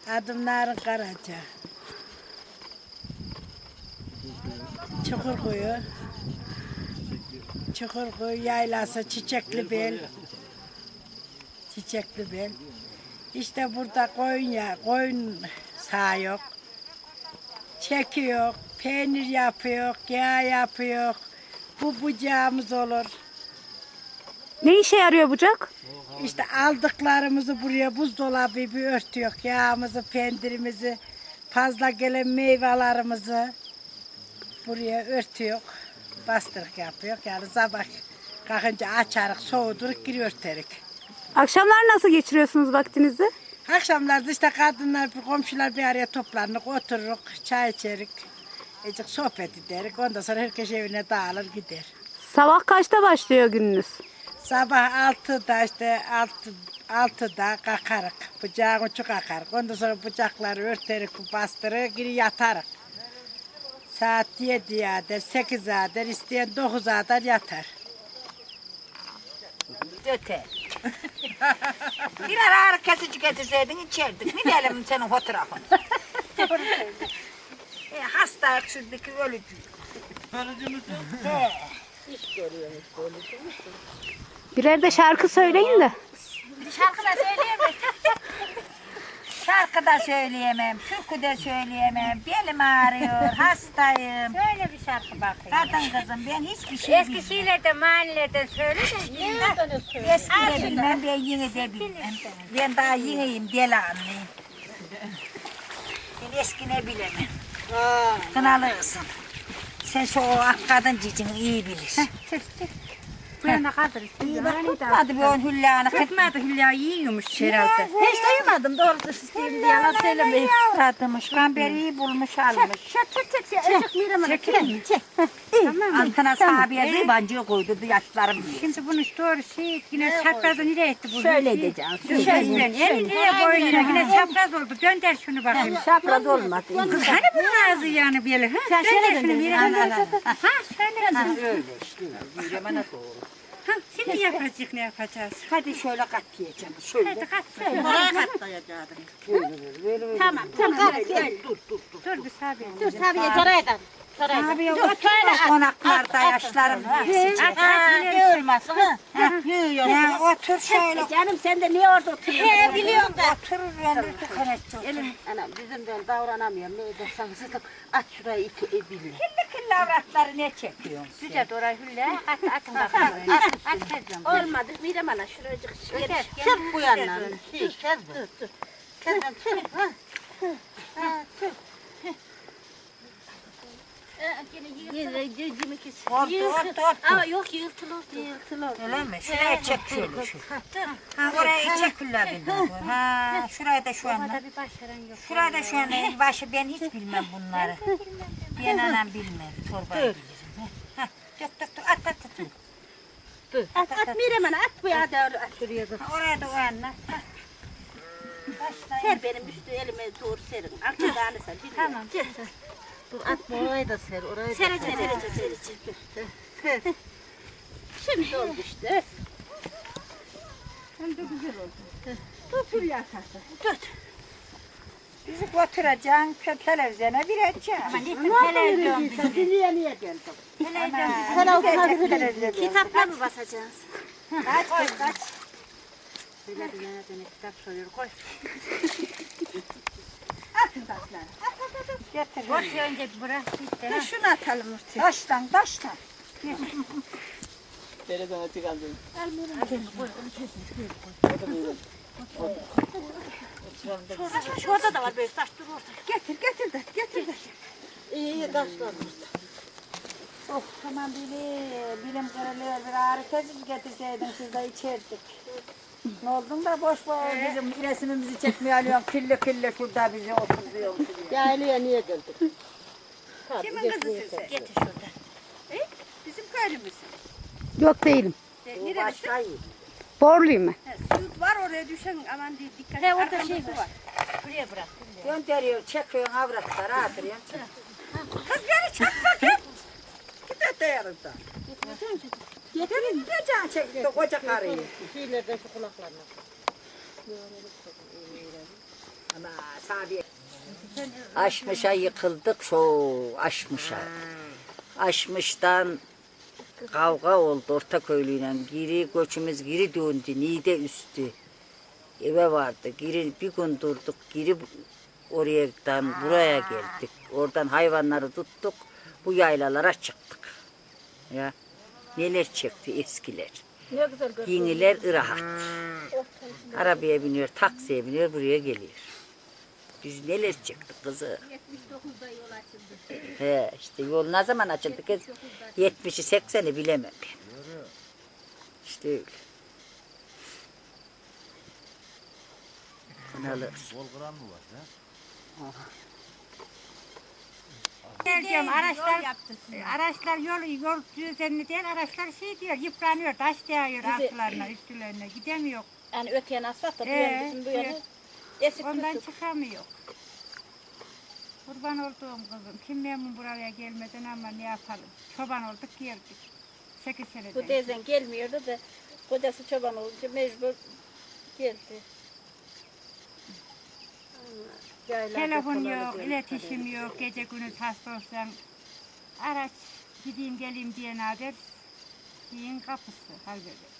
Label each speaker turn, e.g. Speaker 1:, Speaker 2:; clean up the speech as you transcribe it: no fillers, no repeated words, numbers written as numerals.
Speaker 1: Adım Narin Karaca. Çukurkuyu. Çukurkuyu yaylası Çiçeklibel. Çiçeklibel. İşte burada koyun sağıyor. Çekiyor, peynir yapıyor, yağ yapıyor. Bu bucağımız olur.
Speaker 2: Ne işe yarıyor bucak?
Speaker 1: İşte aldıklarımızı buraya buzdolabı bir örtüyor. Yağımızı, peynirimizi, fazla gelen meyvelerimizi buraya örtüyor. Bastırık yapıyor. Yani sabah kalkınca açarık, soğuduruk, geri örterik.
Speaker 2: Akşamlar nasıl geçiriyorsunuz vaktinizi?
Speaker 1: Akşamlarda işte kadınlar, komşular bir araya toplanırız, otururuk, çay içerik, azıcık sohbet ederik. Ondan sonra herkes evine dağılır gider.
Speaker 2: Sabah kaçta başlıyor gününüz?
Speaker 1: Sabah 6'da işte 6'da kalkarık, bıçağın ucu kalkarık. Ondan sonra bıçakları örterik, bastırır, geri yatarık. Saat 7'ye kadar, 8'e kadar, isteyen 9'a kadar yatar.
Speaker 3: Öte. Birer ağrı kesici getirseydin içerdik. Ne diyelim senin fotoğrafın? Hasta şuradaki ölücü.
Speaker 4: Ölücü müsün?
Speaker 2: Birer de şarkı söyleyin de.
Speaker 3: Şarkı da söyleyemem. Şarkı da söyleyemem, türkü de söyleyemem. Belim ağrıyor, hastayım.
Speaker 5: Söyle bir şarkı bakayım.
Speaker 3: Kadın kızım ben hiçbir şey bilmiyorum.
Speaker 5: Eskisiyle de mahallelerden söyle de.
Speaker 3: Eski de bilmem, ben yeni de bilmem. Ben daha yeniyim, deli anlayayım. Ben eski ne bilemem. Kınalısın. Sen şu o kadın cicini iyi bilirsin.
Speaker 5: Buraya kadar
Speaker 3: İyi bak tutmadı bir on hülyanı.
Speaker 5: Tutmadı Hülya yiyormuş herhalde.
Speaker 3: Hiç duymadım doğrusu isteyeyim diye yalan söylemeyin. Tatmış, kamber iyi bulmuş almış.
Speaker 5: Çek.
Speaker 3: Altına sahabeye zıbancığı koydu yaşlarım diye.
Speaker 5: Şimdi bunu doğru yine çaprazı nereye etti bu?
Speaker 3: Şöyle edeceğim.
Speaker 5: Elin nereye boyuna yine çapraz oldu. Gönder şunu bakayım.
Speaker 3: Şapraz olmadı.
Speaker 5: Kız hani bunun ağzı yani böyle? Sen şöyle şunu bir Ha şöyle.
Speaker 3: Öyle işte. Yürümene doğru.
Speaker 5: Ha şimdi yapacak ne yapacağız?
Speaker 3: Hadi şöyle kat diyeceğim. Şöyle.
Speaker 5: Hadi kaç.
Speaker 3: Oraya katlayacaktım.
Speaker 5: Tamam.
Speaker 3: Gel dur.
Speaker 5: Dur bir sabiye.
Speaker 3: Dur Sabiye saraydan. Sabiye otur konaklarda yaşlarım diye. Olmasın. Ya otur şöyle.
Speaker 6: Canım sen de niye orada oturuyorsun?
Speaker 3: He biliyorum da. Oturur ben de tıkanacağım.
Speaker 6: Anam bizim ben davranamıyorum. Ne edersen sıkıp at şurayı iti ebilme.
Speaker 3: Kirli avratları ne çekiyorsun?
Speaker 5: Güzel oraya Hülya. Atın bakalım. At.
Speaker 6: Olmadı. Mirem ana şuracık şöyle.
Speaker 3: Çık bu yandan. Dur. Kendin çık.
Speaker 6: Ama yok yırtılır.
Speaker 3: Öyle mi? Şuraya çek şöyle şu. Ha oraya çek Hülya'dan. Ha şuraya da şu anda. Şuraya da şu anda. Başı ben hiç bilmem bunları. Ben anam bilmem. Torbayı bilirim. Ha dur. At.
Speaker 6: At Mirem ana at bu ya doğru at şuraya dur.
Speaker 3: Oraya da o yanına.
Speaker 6: Ser benim üstü elime doğru serin. Arkadan sen. Tamam.
Speaker 3: Dur at oraya da ser. Oraya da
Speaker 6: Sereceğim. Şimdi oldu işte.
Speaker 3: Hem de güzel oldu. Dur Hülya tahtı. Bizi götüreceksin televizyona vereceksin. Ama
Speaker 5: Televizyon.
Speaker 6: Niye geldin?
Speaker 3: Televizyon.
Speaker 6: Kitapla mı basacağız?
Speaker 3: Kaç.
Speaker 6: Şöyle bir nereden kitap soruyor koy.
Speaker 3: Atın taşları. At. Getir.
Speaker 5: Ortaya önce bırak işte.
Speaker 3: Ha, şunu atalım ortaya. Taştan.
Speaker 4: Nereden çıkardın?
Speaker 6: Şurada da var böyle taş dur orada.
Speaker 3: Getir.
Speaker 6: İyi taşlar.
Speaker 3: Oh tamam bilim kırılıyor bir ağrı kesici getirseydin siz de içerdik. Ne oldun da boş bizim resmimizi çekmeye alıyorsun kirli şurada bizi oturuyorsun.
Speaker 6: Yaylaya niye geldik?
Speaker 3: Kimin kızı size?
Speaker 5: Getir şuradan.
Speaker 3: Bizim köylümüz.
Speaker 2: Yok değilim.
Speaker 3: Başlayın.
Speaker 2: Borluyum ben.
Speaker 3: Süt var oraya düşen aman diye dikkat et.
Speaker 5: He orada şey var. Buraya bırak.
Speaker 3: Gönderiyor çekiyorsun avratları atırıyorsun. Kız beni çek bakayım. Git öte yarıda. Getirin de can çekti koca karıyı.
Speaker 6: Şeylerden şu kulaklarına.
Speaker 3: Ama
Speaker 7: Aşmışa yıkıldık aşmışa. Aşmıştan kavga oldu Ortaköylü'yle. Giri göçümüz geri döndü. Niğde üstü. Eve vardı. Giri bir gün durduk. Giri oradan buraya geldik. Oradan hayvanları tuttuk. Bu yaylalara çıktık. Ya neler çekti eskiler. Yeniler ırahat. Arabaya biniyor, taksiye biniyor, buraya geliyor. Biz neler çıktık kızı. 79'da yol açıldı. He, işte yol ne zaman açıldı kız? 70'i 80'i bilemem ben. İşte öyle. Kınalı.
Speaker 5: Diyorum, araçlar yol düzenli değil, araçlar şey diyor, yıpranıyor, taş değiyor altlarına, üstlerine, gidemiyor.
Speaker 6: Yani öteyen asfalt da bu yana bizim bu yana esik
Speaker 5: Ondan
Speaker 6: küsük.
Speaker 5: çıkamıyor. Kurban olduğum kızım, kim memnun buraya gelmeden ama ne yapalım? Çoban olduk geldik. 8 seneden.
Speaker 6: Bu teyzen gelmiyordu da kocası çoban olunca mecbur geldi.
Speaker 5: Telefon yok, iletişim yok, gece gündüz hasta olsam araç gideyim geleyim diye nadir şeyin kapısı hal böyle.